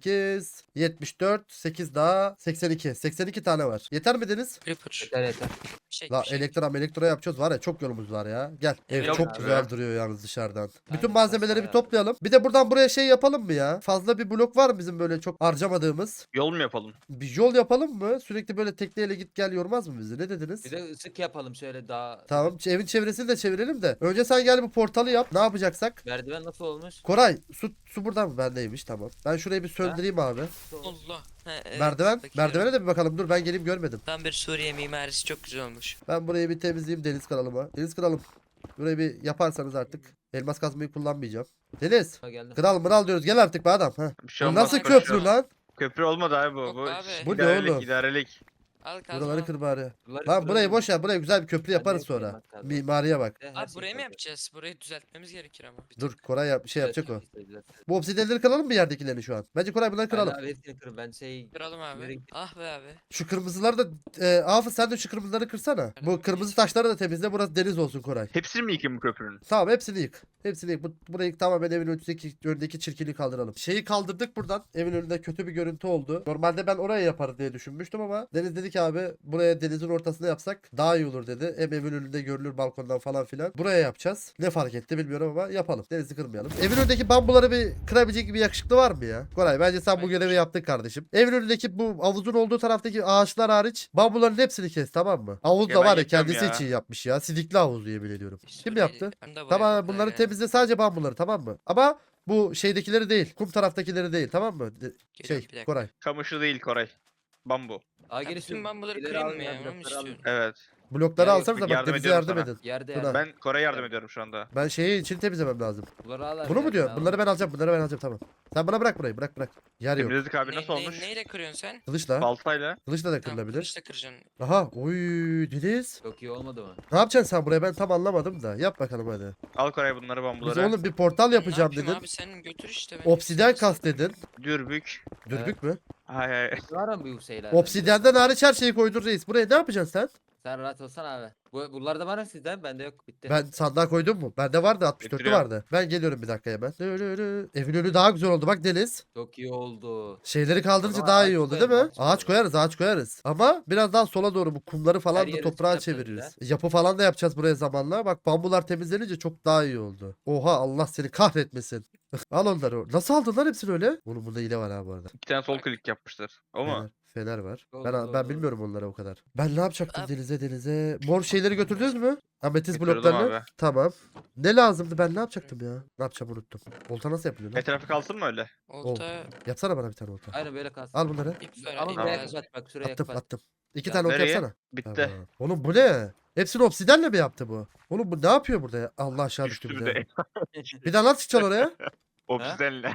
A: 18 74 8 daha 82. 82 tane var. Yeter mi Deniz?
D: Creeper.
C: Yeter yeter.
A: La
D: Bir şey.
A: elektro yapacağız var ya, çok yolumuz var ya. Gel. Ev
D: Evet
A: çok
B: abi.
A: güzel duruyor yalnız dışarıdan. Bütün
C: Aynen,
A: malzemeleri bir
C: bayağı.
A: toplayalım. Bir de buradan buraya şey yapalım mı ya? Fazla bir blok var mı bizim böyle çok harcamadığımız?
B: Yol mu yapalım?
A: Bir yol yapalım mı? Sürekli böyle tekneyle git gel yormaz mı bizi? Ne dediniz?
C: Bir de ısık yapalım şöyle daha.
A: Tamam, evin çevresini de çevirelim de. Önce sen gel bu portalı yap. Ne yapacaksak?
C: Merdiven nasıl olmuş?
A: Koray su buradan mı? Bendeymiş, tamam. Ben şurayı bir söndüreyim abi.
C: Nasıl olmuş?
D: Allah. Ha, evet,
A: Merdiven.
D: bakıyorum.
A: Merdivene de bir bakalım. Dur ben geleyim, görmedim.
D: Tam bir Suriye mimarisi çok güzel olmuş.
A: Ben burayı bir temizleyeyim Deniz kanalıma. Deniz kralım. Burayı bir yaparsanız artık. Elmas kazmayı kullanmayacağım. Deniz.
C: Ha, geldim.
A: Kral mıral diyoruz. Gel artık be adam. Ha.
B: Bir şey
A: Bu
B: olmaz.
A: nasıl
D: koşuyor.
A: köprü lan?
B: Köprü olmadı abi bu.
D: Yok
B: Bu,
D: abi.
A: Bu ne
B: idarelik,
A: oğlum?
B: idarelik.
D: Al kazma.
A: Buraları kır bari.
C: Bunları
A: Lan burayı
C: kıralım.
A: boş ver. Buraya güzel bir köprü
C: Ben de
A: yaparız
C: yapayım
A: sonra.
C: bak kazma.
A: Mimariye bak.
C: Her
D: Abi
C: şey
D: burayı mı
C: yapacağız.
D: yapacağız? Burayı düzeltmemiz gerekir ama. Bir
A: Dur
D: tık.
A: Koray şey yapacak o.
C: Düzeltelim.
A: Bu obsidyenleri kıralım mı, yerdekilerini şu an? Bence Koray bunları
C: Aynen
A: kıralım.
C: abi hepsini kırın ben şey.
D: Kıralım
C: Nereye
D: abi.
C: gitti?
D: Ah be abi.
A: Şu kırmızıları da Hafız sen de şu kırmızıları kırsana. Bu kırmızı taşları da temizle. Burası deniz olsun Koray.
B: Hepsini mi yıkayım bu köprünün?
A: Tamam hepsini yık. Hepsini yık. Burayı tamamen evin önündeki çirkinliği kaldıralım. Şeyi kaldırdık buradan. Evin önünde kötü bir görüntü oldu. Normalde ben oraya yaparım diye düşünmüştüm ama Deniz dedi ki abi buraya denizin ortasına yapsak daha iyi olur dedi. Hem evin önünde görülür balkondan falan filan. Buraya yapacağız. Ne fark etti bilmiyorum ama yapalım. Denizi kırmayalım. Evin önündeki bambuları bir kırabilecek gibi yakışıklı var mı ya? Koray bence sen bu görevi yaptın kardeşim. Evin önündeki bu havuzun olduğu taraftaki ağaçlar hariç bambuların hepsini kes, tamam mı? Havuz
B: Ya
A: da
B: ben
A: var ya
B: yapıyorum
A: kendisi
B: ya.
A: için yapmış ya. Sidikli havuz yemin ediyorum. Kim
D: Suriyeli-
A: yaptı?
D: Ben de buraya
A: Tamam
D: bakıyorum
A: bunları
D: ya.
A: temizle, sadece bambuları, tamam mı? Ama bu şeydekileri değil. Kum taraftakileri değil, tamam mı?
D: Geliyorum, bir
A: Şey
D: dakika.
A: Koray.
B: Kamışı değil Koray. Bambu.
C: Aa
D: Ya
C: geri
D: bütün
C: şu
D: ben bunları
C: ileri
D: kırayım
C: alın
D: mı
C: ya,
D: ya? Onu mu
C: blokları alın.
D: istiyorum?
B: Evet.
A: Blokları
C: Ya yok,
A: alsanız da bak
B: yardım
A: denize
B: ediyorum
A: yardım
B: sana.
A: edin.
C: Yerde
A: Tuna.
C: yerde.
B: Ben Koray'a yardım ediyorum şu anda.
A: Ben şeyi için temizlemem lazım.
C: Bunları al abi,
A: Bunu mu
C: yardım
A: diyor?
C: al.
A: Bunları ben alacağım. Bunları ben alacağım, tamam. Sen bana bırak burayı. Bırak. Yer yok.
B: Temizledik abi nasıl olmuş?
D: Neyle kırıyorsun sen?
A: Kılıçla.
B: Baltayla.
A: Kılıçla da
D: Tamam,
A: kırılabilir.
D: kılıçla kıracaksın.
A: Aha. Oy Deniz.
C: Çok iyi olmadı mı?
A: Ne yapacaksın sen buraya? Ben tam anlamadım da. Yap bakalım hadi.
B: Al Koray bunları
A: Biz
B: bambuları.
A: oğlum bir portal
D: Ne
A: yapacağım
D: yapayım
A: dedin.
D: abi sen götür işte. ben
A: Obsidyen
D: hepsini
A: kas dedin.
B: Dürbük.
A: Dürbük mü?
B: Hay hay.
C: Var mı bu şeyler?
A: Obsidyenden hariç her şeyi koydun reis. Buraya ne yapacaksın sen?
C: Sen rahat olsana abi. Bunlar da var mı sizden? Bende yok. Bitti.
A: Ben sandığa koydum mu? Bende vardı, 64'lü
B: Getiriyorum.
A: vardı. Ben geliyorum bir dakika hemen. Evin önü daha güzel oldu bak Deniz.
C: Çok iyi oldu.
A: Şeyleri kaldırınca
C: zaman
A: daha
C: ağaç
A: iyi oldu değil
C: koyarız,
A: mi?
C: ağaç
A: Ağaç koyarız, ağaç koyarız. Ama biraz daha sola doğru bu kumları falan
C: Her
A: da
C: yeri
A: toprağa
C: çift yaparız
A: çeviririz. Yapı falan da yapacağız buraya zamanla. Bak bambular temizlenince çok daha iyi oldu. Oha Allah seni kahretmesin. Al onları. Nasıl aldın lan hepsini öyle? Oğlum bunda hile var ha bu arada.
B: İki tane sol klik yapmışlar. O mu?
A: Fener var.
C: Doğru,
A: Ben
C: doğru,
A: ben
C: doğru.
A: bilmiyorum onlara o kadar. Ben ne yapacaktım
D: Abi-
A: denize? Mor şeyleri götürdünüz mü? Ametist
B: Götürdüm
A: bloklarını.
B: abi.
A: Tamam. Ne lazımdı? Ben ne yapacaktım ya? Ne yapacağım unuttum. Olta nasıl yapılıyor lan?
B: Etrafı kalsın mı öyle?
D: Olta
A: Yapsana bana bir tane olta.
C: Aynen böyle kalsın.
A: Al bunları.
D: ip var.
C: Ama
D: ip
C: buraya
D: lazım.
C: kapat bak şuraya
A: Attım
C: kapat.
A: attım. İki
C: Ya
A: tane olta
B: nereye?
A: yapsana.
B: Bitti.
A: Tamam. Oğlum bu ne? Hepsini obsidenle mi yaptı bu? Oğlum bu ne yapıyor burada ya? Allah aşağı düştü
B: Düştü
A: bir
B: bir
A: de.
B: de.
A: Bir daha nasıl çıkacaksın oraya?
B: Obsidenle.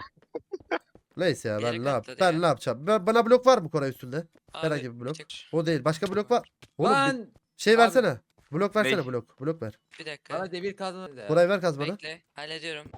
A: Neyse ya
D: Bir yere
A: ben ne yap?
D: katladı
A: Ben
D: ya.
A: ne yapacağım? Bana blok var mı Koray üstünde?
D: Abi,
A: Herhangi bir blok.
D: tek-
A: O değil. Başka blok var. Oğlum
C: Lan!
A: şey
C: Abi-
A: versene. Blok versene
B: Ney?
A: blok. Blok ver.
D: Bir dakika.
C: Bana demir kazma.
A: Koray ver kaz bana.
D: Bekle. Hallediyorum.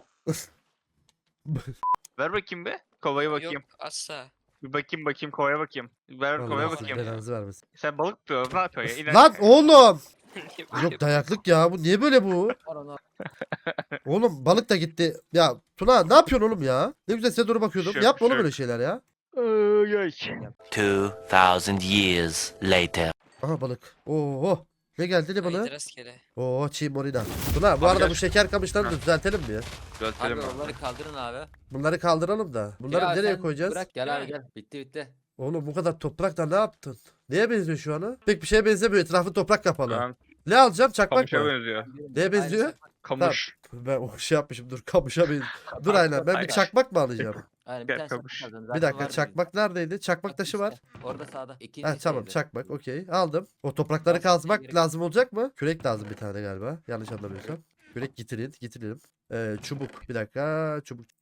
B: Ver bakayım be. Kovaya bakayım.
D: Yok asla.
B: Bir bakayım kovaya bakayım. Ver kovaya
A: Allah sizin
B: bakayım.
A: belanızı vermesin.
B: Sen balık tutuyor. Ne yapıyor ya? İnan.
A: Lan oğlum.
D: Niye
A: Yok
D: böyle-
A: dayaklık ya. Bu niye böyle bu?
C: Var onu.
A: Oğlum balık da gitti. Ya Tuna ne yapıyorsun oğlum ya? Ne güzel size doğru bakıyordum.
B: Şök,
A: Yapma oğlum
B: şök.
A: öyle şeyler ya.
B: Ay, ay.
E: 2,000 years later.
A: Aha balık. Oo. Ne geldi ne balığı?
D: Haydi rastgele.
A: Oo çiğ morina. Tuna bu
B: Abi
A: arada
B: gel.
A: bu şeker kamışlarını da
B: Ha.
A: düzeltelim mi ya?
C: Abi
B: Düzeltelim abi.
C: onları kaldırın abi.
A: Bunları kaldıralım da. Bunları
C: Ya
A: nereye
C: sen
A: koyacağız?
C: Bırak gel
D: Değil
C: abi
D: mi?
C: gel. Bitti.
A: Oğlum bu kadar toprakla ne yaptın? Neye benziyor şu an? Pek bir şeye benzemiyor. Etrafı toprak kapalı.
B: Tamam.
A: Ne alacağım? Çakmak
B: Kamışa
A: mı?
B: benziyor.
A: Neye benziyor?
C: Aynısı.
B: Kamış.
A: Ben o şey yapmışım. Dur kamışa benziyor. Dur aynen. Ben bir
B: Aynen.
A: çakmak mı alacağım?
C: Aynen
B: Gel,
C: bir tane
B: kamış.
C: çakmak kazın.
A: Bir
C: Zaten
A: dakika
C: var
A: çakmak neredeydi? Çakmak
C: Bak
A: taşı
C: işte,
A: var.
C: Orada sağda. İkinci
A: Ha tamam
C: şeyde.
A: çakmak okey aldım. O toprakları
C: Başka
A: kazmak
C: bir yere-
A: lazım olacak mı? Kürek lazım bir tane galiba. Yanlış anlamıyorsam. Kürek getirelim. Çubuk bir dakika çubuk.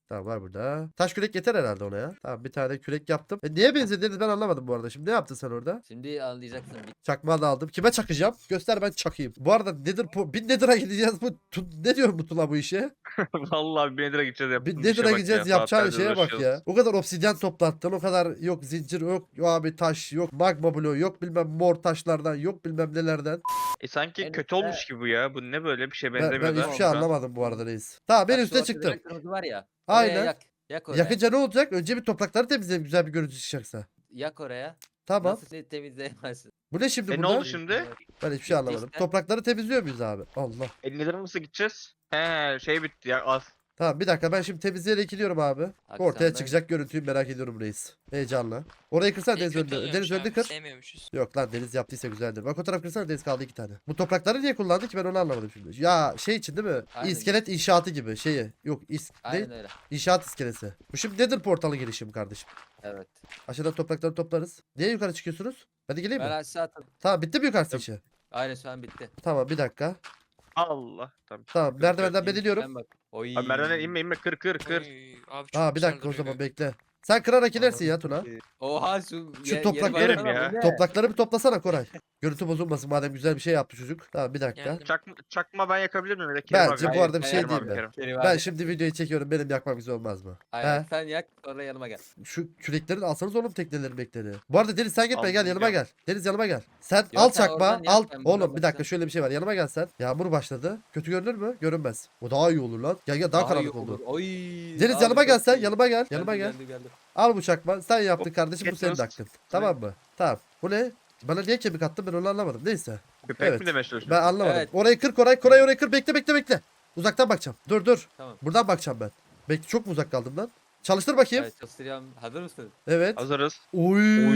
A: Tamam var burada. Taş kürek yeter herhalde ona ya. Tamam bir tane kürek yaptım. Neye benzediğini ben anlamadım bu arada. Şimdi ne yaptın sen orada?
C: Şimdi anlayacaksın.
A: Çakmağı da aldım. Kime çakacağım? Göster ben çakayım. Bu arada bin Nether'a gideceğiz. Ne diyor bu Tuna bu işe?
B: Vallahi 1000 lira gideceğiz
A: Bin
B: yaptığımız
A: Nether'a
B: işe bak
A: gideceğiz
B: ya.
A: yapacağın
B: Saatlerdir
A: şeye bak
B: uğraşıyoruz.
A: ya. O kadar obsidyen toplattın. O kadar yok zincir yok abi taş yok magma bloğu yok bilmem mor taşlardan yok bilmem nelerden.
B: Sanki
C: En
B: kötü
C: üstte-
B: olmuş gibi bu ya. Bu ne böyle bir şey
A: Ben
B: benzemiyor da.
A: hiçbir şey
B: şu an.
A: anlamadım bu arada reis. Tamam ben
C: Bak, şu
A: üste
C: ortada
A: çıktım.
C: kırmızı var ya.
A: Aynen.
C: Oraya yak. Yak oraya.
A: Yakınca ne olacak? Önce bir toprakları temizleyelim güzel bir görüntü çıkacaksa.
C: Yak oraya.
A: Tamam.
C: Nasıl seni temizleyemezsin?
A: Bu ne şimdi
B: Ne
A: burada?
B: oldu şimdi?
A: Ben hiçbir şey anlamadım.
C: işte.
A: Toprakları temizliyor muyuz abi? Allah.
B: 50 lira nasıl gideceğiz? He şey bitti ya az.
A: Tamam bir dakika ben şimdi temizleyerek gidiyorum abi. Ortaya
C: Akşamdan-
A: çıkacak görüntüyü merak ediyorum reis. Heyecanla. Orayı kırsana Deniz
D: kötü
A: önünde.
D: oluyormuş
A: Deniz önünde
D: abi,
A: kır.
D: Sevmiyormuşuz.
A: Yok lan Deniz yaptıysa güzeldir. Bak o taraf kırsana Deniz kaldı 2 tane. Bu toprakları niye kullandı ki ben onu anlamadım şimdi. Ya şey için değil mi?
C: Aynen.
A: İskelet inşaatı gibi şeyi. Yok
C: Aynen öyle.
A: İnşaat iskelesi. Bu şimdi nedir portalı girişim kardeşim?
C: Evet.
A: Aşağıdan toprakları toplarız. Niye yukarı çıkıyorsunuz? Hadi geleyim
C: Ben
A: mi?
C: aşağı attım.
A: Tamam bitti mi yukarısı işi?
C: Aynen şu an bitti.
A: Tamam bir dakika.
B: Allah. Tamam.
A: Tamam merdivenden ben
C: İyi,
A: iniyorum.
C: sen bak. Oy.
B: Abi merdivene inme kır kır.
D: Oy, abi çok
A: Aa bir
D: güzel
A: dakika o
D: duruyor.
A: zaman bekle. Sen kırarak inersin ya Tuna.
C: Oha
A: Şu
C: yere
A: toprakları-
C: baksana,
B: ya.
C: bu ne?
A: Toprakları bir toplasana Koray. Görüntü bozulmasın madem güzel bir şey yaptı çocuk. Tamam bir dakika.
D: Geldim.
B: Çakma ben yakabilir miyim? Ya da Kerem
A: Bence
B: abi.
A: bu arada bir
C: Hayır,
A: şey
C: hayır,
A: değil
B: abi,
A: mi?
B: Kerem.
C: Kerim
A: Ben
C: abi.
A: şimdi videoyu çekiyorum benim yakmam güzel olmaz mı?
C: Aynen.
A: He?
C: Sen yak sonra yanıma gel.
A: Şu kürekleri de alsanız oğlum teknelerin bekleri. Bu arada Deniz sen gitme gel
B: Aldım,
A: yanıma
B: gel.
A: gel. Deniz yanıma gel. Sen
C: Yok,
A: al
C: sen
A: çakma
C: oradan yak,
A: al.
C: ben buradan
A: Oğlum bir dakika
C: bakacağım.
A: şöyle bir şey var yanıma gel sen. Yağmur başladı. Kötü görünür mü? Görünmez. O daha iyi olur lan. Gel gel daha
C: iyi
A: karanlık
C: olur.
A: oldu.
C: Oy.
A: Deniz
C: abi
A: yanıma
C: çok
A: gel sen
C: iyi.
A: yanıma gel. Yanıma gel.
C: Geldim.
A: Al bu çakma. Sen yaptın
B: Hop,
A: kardeşim bu senin
B: getiriyoruz.
A: hakkın. Tamam mı? Tamam. Bu ne? Bana niye kemik attın ben onu anlamadım. Neyse.
B: Köpek
A: Evet.
B: mi demeye çalışıyorsun?
A: Ben anlamadım.
C: Evet.
A: Orayı kır Koray. Koray orayı kır. Bekle. Uzaktan bakacağım. Dur.
C: Tamam.
A: Buradan bakacağım ben. Bekle çok mu uzak kaldım lan? Çalıştır bakayım.
C: Evet çalıştırıyorum. Hazır mısın?
A: Evet.
B: Hazırız.
A: Oy.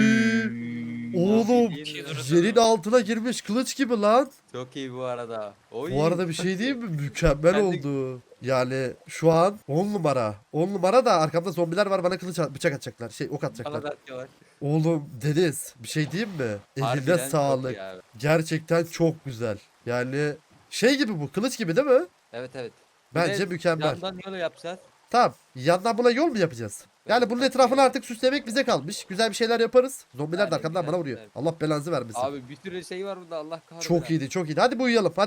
A: Oğlum
C: Nasıl iyi
D: durdu.
A: yerin altına girmiş kılıç gibi lan.
C: Çok iyi bu arada. Oy.
A: Bu arada bir şey değil mi? Mükemmel
C: Ben de-
A: oldu. Yani şu an 10 numara. 10 numara da arkamda zombiler var bana bıçak atacaklar. Ok
C: Bana
A: atacaklar.
C: da atıyorlar.
A: Oğlum Deniz bir şey diyeyim mi? Eline
C: Harbiden çok
A: sağlık.
C: iyi abi.
A: Gerçekten çok güzel. Yani şey gibi bu kılıç gibi değil mi?
C: Evet.
A: Bence
C: Bir de
A: mükemmel.
C: Yandan yolu yapacağız.
A: Tamam. Yandan buna yol mu yapacağız? Yani bunun etrafını artık süslemek bize kalmış. Güzel bir şeyler yaparız. Zombiler de
C: Aynen,
A: arkamdan
C: güzel,
A: bana vuruyor.
C: güzel.
A: Allah belanızı vermesin.
C: Abi bir sürü şey var burada Allah kahretsin.
A: Çok iyiydi, çok iyiydi. Hadi bu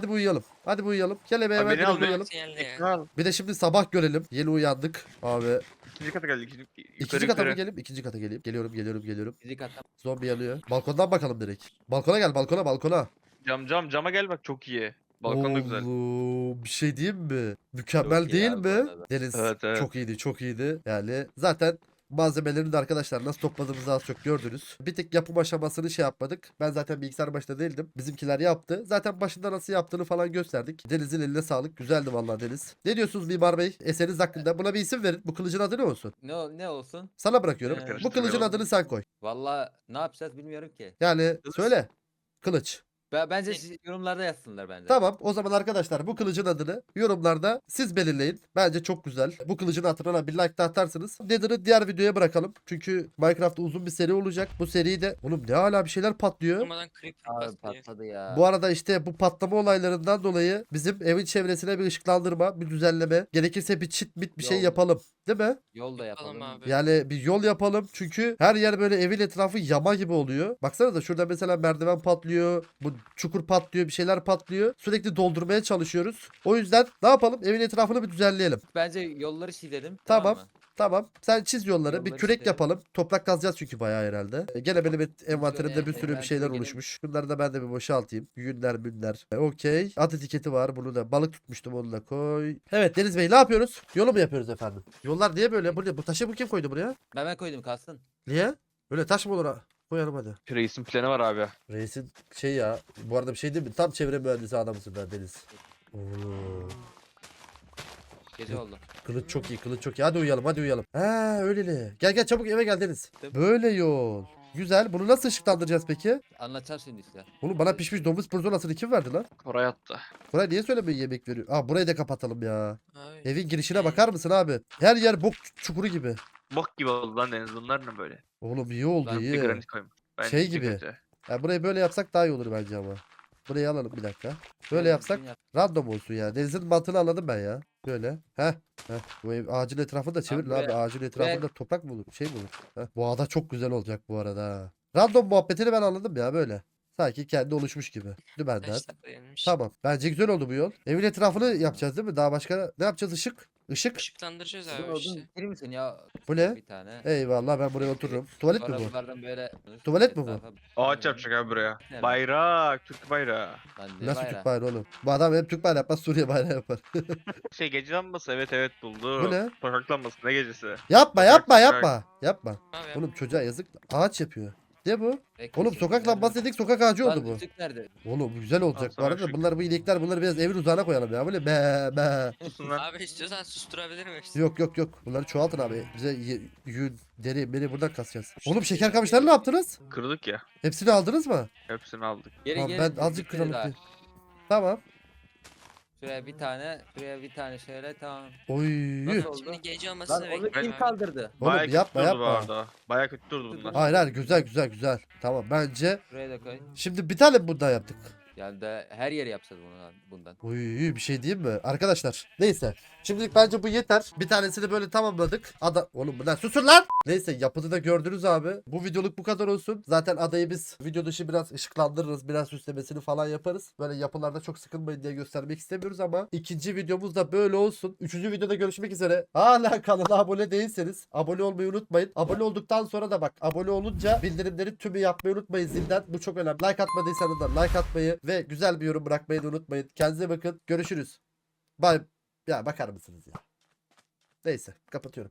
A: uyuyalım. Gel eve
B: Abi
A: hemen
B: beni
A: direkt
B: al, beni
A: uyuyalım.
D: Sinyalli ya.
B: Kral.
A: Bir de şimdi sabah görelim. Yeni uyandık. Abi.
B: İkinci kata geldik.
A: İkinci kata mı geleyim? İkinci kata geleyim. Geliyorum.
C: Fizik atam.
A: Zombi yanıyor. Balkondan bakalım direkt. Balkona gel, balkona.
B: Cama gel bak çok iyi. Balkon da güzel.
A: Oğlum, bir şey diyeyim mi? Mükemmel
C: Çok iyi
A: değil
C: abi bu
A: mi?
C: arada.
A: Deniz
B: Evet.
A: çok iyiydi. Yani zaten malzemelerini de arkadaşlar nasıl topladığımızı az çok gördünüz. Bir tek yapım aşamasını şey yapmadık. Ben zaten bilgisayar başında değildim. Bizimkiler yaptı. Zaten başında nasıl yaptığını falan gösterdik. Deniz'in eline sağlık. Güzeldi vallahi Deniz. Ne diyorsunuz Mimar Bey? Eseriniz hakkında. Buna bir isim verin. Bu kılıcın adı ne olsun?
C: Ne olsun?
A: Sana bırakıyorum.
C: Evet.
A: Bu kılıcın adını sen koy.
C: Valla ne yapacağız bilmiyorum ki.
A: Yani söyle. Kılıç.
C: Bence siz yorumlarda yazsınlar bence.
A: Tamam o zaman arkadaşlar bu kılıcın adını yorumlarda siz belirleyin. Bence çok güzel. Bu kılıcın hatırına bir like de atarsınız. Nether'ı diğer videoya bırakalım. Çünkü Minecraft'ta uzun bir seri olacak. Bu seride oğlum ne hala bir şeyler patlıyor.
D: Durmadan creeper
C: Abi
D: bastı.
C: patladı ya.
A: Bu arada işte bu patlama olaylarından dolayı bizim evin çevresine bir ışıklandırma, bir düzenleme, gerekirse bir çit bit bir şey
C: Yol.
A: yapalım. Değil mi?
C: Yol da
D: Yapalım
C: yapalım.
D: abi.
A: Yani bir yol yapalım. Çünkü her yer böyle evin etrafı yama gibi oluyor. Baksana da şurada mesela merdiven patlıyor. Bu çukur patlıyor. Bir şeyler patlıyor. Sürekli doldurmaya çalışıyoruz. O yüzden ne yapalım? Evin etrafını bir düzenleyelim.
C: Bence yolları çizelim.
A: Tamam.
C: mı?
A: Tamam. Sen çiz yolları. Bir
C: Yolları
A: kürek
C: çizelim.
A: yapalım. Toprak kazacağız çünkü bayağı herhalde. Gene benim envanterimde bir sürü bir
C: envantere
A: şeyler
C: gelin.
A: oluşmuş. Bunları da ben de bir boşaltayım. Günler. Okey. At etiketi var. Bunu da balık tutmuştum onu da koy. Evet Deniz Bey ne yapıyoruz? Yolu mu yapıyoruz efendim? Yollar niye böyle? Bu taşı bu kim koydu buraya?
C: Ben koydum kalsın.
A: Niye? Öyle taş mı olur ha? Koyalım hadi.
B: Reisin planı var abi.
A: Reisin şey ya. Bu arada bir şey değil mi? Tam çevre mühendisi adamısın ben Deniz. Oo.
C: Gece oldu.
A: Kılıç çok iyi, kılıç çok iyi. Hadi uyuyalım. Ha öyleli. Gel çabuk eve gel Deniz.
C: Tabii.
A: Böyle yol. Güzel. Bunu nasıl ışıklandıracağız peki?
C: Anlatacağım şimdi işte.
A: Oğlum bana pişmiş domuz pirzolasını kim verdi lan?
B: Koray attı.
A: Buraya niye söylemeyi yemek veriyor? Aa burayı da kapatalım ya.
D: Abi.
A: Evin girişine bakar mısın abi? Her yer bok çukuru gibi.
B: Bok gibi oldu lan Deniz. Bunlar ne böyle?
A: Oğlum iyi oldu
C: Ben
B: Bir
A: iyi.
B: granit koymuş. Bence
A: Şey
B: iki
A: gibi.
B: kötü.
A: Ya burayı böyle yapsak daha iyi olur bence ama. Burayı alalım bir dakika. Böyle
C: Şöyle
A: yapsak
C: düzgün yap.
A: random olsun ya. Deniz'in mantığını anladım ben ya. Böyle. Heh. Heh. Bu ev ağacın etrafını da çevir
C: Abi,
A: abi. Ağacın etrafında
C: ben-
A: toprak mı olur? Şey mi olur? Heh. Bu ada çok güzel olacak bu arada. Ha. Random muhabbetini ben anladım ya böyle. Sanki kendi oluşmuş gibi. Dümenden.
D: Taşlar dayanmış.
A: Tamam. Bence güzel oldu bu yol. Evin etrafını yapacağız değil mi? Daha başka ne yapacağız? Işık. Işık.
D: Işıklandıracağız
C: Sizin
D: abi
C: odun
D: işte.
C: bitirir misin ya?
A: Bu ne?
C: Bir tane.
A: Eyvallah ben buraya otururum. Tuvalet mi
C: Sonra
A: bu?
C: bunlardan böyle
A: Tuvalet mi bu?
C: etrafa-
B: Ağaç yapacak abi buraya.
C: Evet.
B: Bayrak, Türk bayrağı.
C: Lan ne
A: Nasıl
C: bayrağı?
A: Türk bayrağı oğlum? Bu adam hem Türk bayrağı yapmaz Suriye bayrağı yapar.
B: Şey gece lambası, evet buldu.
A: Bu ne?
B: Sokak lambası, ne gecesi?
A: Yapma
B: Sokak,
A: yapma
B: sokak.
A: yapma. Yapma.
D: Abi yap.
A: Oğlum çocuğa yazık. Ağaç yapıyor. Ne bu?
C: Bekle
A: Oğlum
C: şimdi,
A: sokak
C: nerede?
A: lambası dedik sokak ağacı oldu
C: Lan
A: bu.
C: ışık nerede?
A: Oğlum bu güzel olacak. Bu
B: sana
A: arada
B: ışık.
A: bunlar bu inekler bunları biraz evin uzağına koyalım ya. Böyle be be.
B: Susun lan.
D: Abi istiyorsan susturabilirim işte.
A: Yok. Bunları çoğaltın abi. Bize yün, deri, beni buradan kasacağız. Oğlum şeker kamışları ne yaptınız?
B: Kırdık ya.
A: Hepsini aldınız mı?
B: Hepsini aldık.
C: Geri
A: Tamam,
C: geri.
A: ben azıcık
C: bitmedi
A: kıralım
C: daha.
A: diye. Tamam.
C: Şuraya bir tane, şuraya bir tane şöyle tamam.
A: Oy.
C: Nasıl oldu?
D: Şimdi gece
C: Lan
D: olmasını
C: onu
D: bekliyorum
C: kim
D: abi.
C: kaldırdı?
A: Oğlum
B: Bayağı
A: yapma
B: kötü durdu bu
A: yapma.
B: arada. Bayağı kötü durdu bunlar.
A: Hayır güzel. Tamam bence.
C: Şuraya da koy.
A: Şimdi bir tane bundan yaptık.
C: Yani de her yeri yapacağız bundan.
A: Oy bir şey diyeyim mi? Arkadaşlar neyse. Şimdilik bence bu yeter. Bir tanesini böyle tamamladık. Oğlum bunlar susun lan. Neyse yapıtı da gördünüz abi. Bu videoluk bu kadar olsun. Zaten adayı biz video dışı biraz ışıklandırırız. Biraz süslemesini falan yaparız. Böyle yapılarda çok sıkılmayın diye göstermek istemiyoruz ama ikinci videomuz da böyle olsun. Üçüncü videoda görüşmek üzere. Hala kanala abone değilseniz abone olmayı unutmayın. Abone olduktan sonra da bak abone olunca bildirimleri tümü yapmayı unutmayın zilden. Bu çok önemli. Like atmadıysanız da like atmayı ve güzel bir yorum bırakmayı da unutmayın. Kendinize bakın. Görüşürüz. Bye. Ya bakar mısınız ya? Neyse kapatıyorum.